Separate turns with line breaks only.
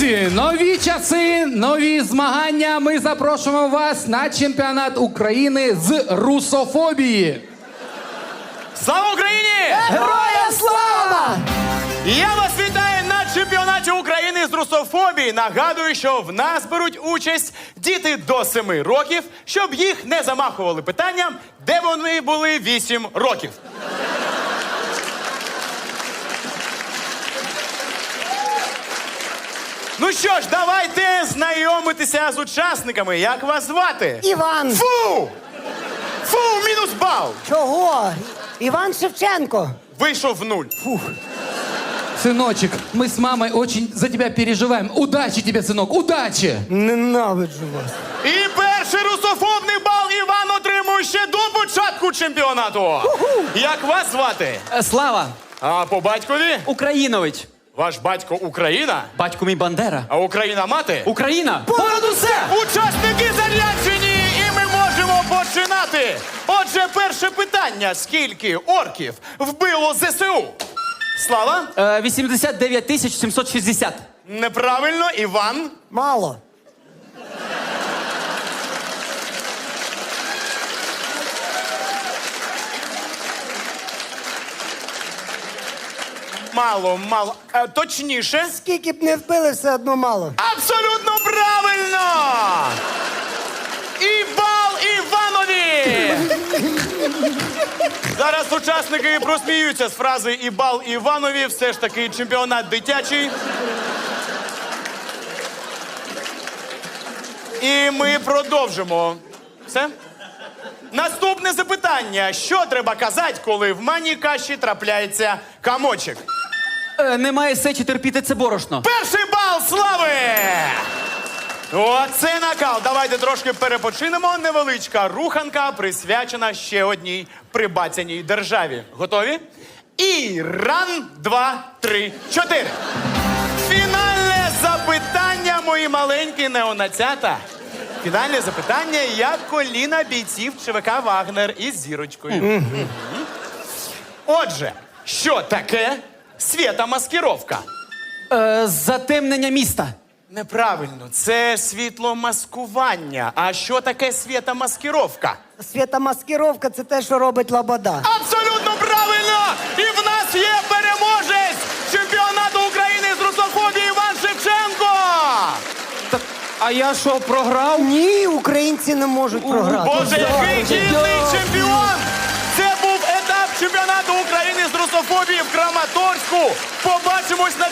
Друзі, нові часи, нові змагання. Ми запрошуємо вас на чемпіонат України з русофобії.
Слава Україні!
Героям слава!
Я вас вітаю на чемпіонаті України з русофобії. Нагадую, що в нас беруть участь діти до 7 років, щоб їх не замахували питанням, де вони були 8 років. Ну що ж, давайте знайомитися з учасниками. Як вас звати?
Іван.
Фу! Фу, мінус бал!
Чого? Іван Шевченко.
Вийшов в 0.
Сыночек, мы с мамой очень за тебя переживаем. Удачи тебе, сынок, удачи!
Ненавиджу вас.
І перший русофобний бал Іван отримує ще до початку чемпіонату. Як вас звати?
Слава,
А по батькові?
Українович.
Ваш батько Україна?
Батько мій Бандера.
А Україна мати?
Україна! Понад усе!
Учасники заряджені, і ми можемо починати. Отже, перше питання. Скільки орків вбило ЗСУ? Слава?
89 760.
Неправильно. Іван?
Мало.
Мало, мало. Точніше?
Скільки б не вбили, все одно мало.
Абсолютно правильно! І бал Іванові! Зараз учасники просміються з фрази «І бал Іванові». Все ж таки чемпіонат дитячий. І ми продовжимо. Все? Наступне запитання. Що треба казати, коли в манній каші трапляється камочок?
Немає сечі терпіти це борошно.
Перший бал слави! Оце накал. Давайте трошки перепочинемо. Невеличка руханка, присвячена ще одній прибацяній державі. Готові? І ран, 2, 3, 4. Фінальне запитання, мої маленькі неонацята. Фінальне запитання, як коліна бійців ЧВК «Вагнер» із зірочкою. Отже, що таке світомаскировка?
Затемнення міста.
Неправильно, це світломаскування. А що таке світомаскировка?
Світомаскировка – це те, що робить Лобода.
Абсолютно правильно! І в нас є переможець чемпіонату України з русофобії Іван Шевченко!
Так, а я що, програв?
Ні, українці не можуть програти.
Боже, який гідний чемпіон! Це був етап чемпіонату України з русофобії в Краматорську. Побачимось на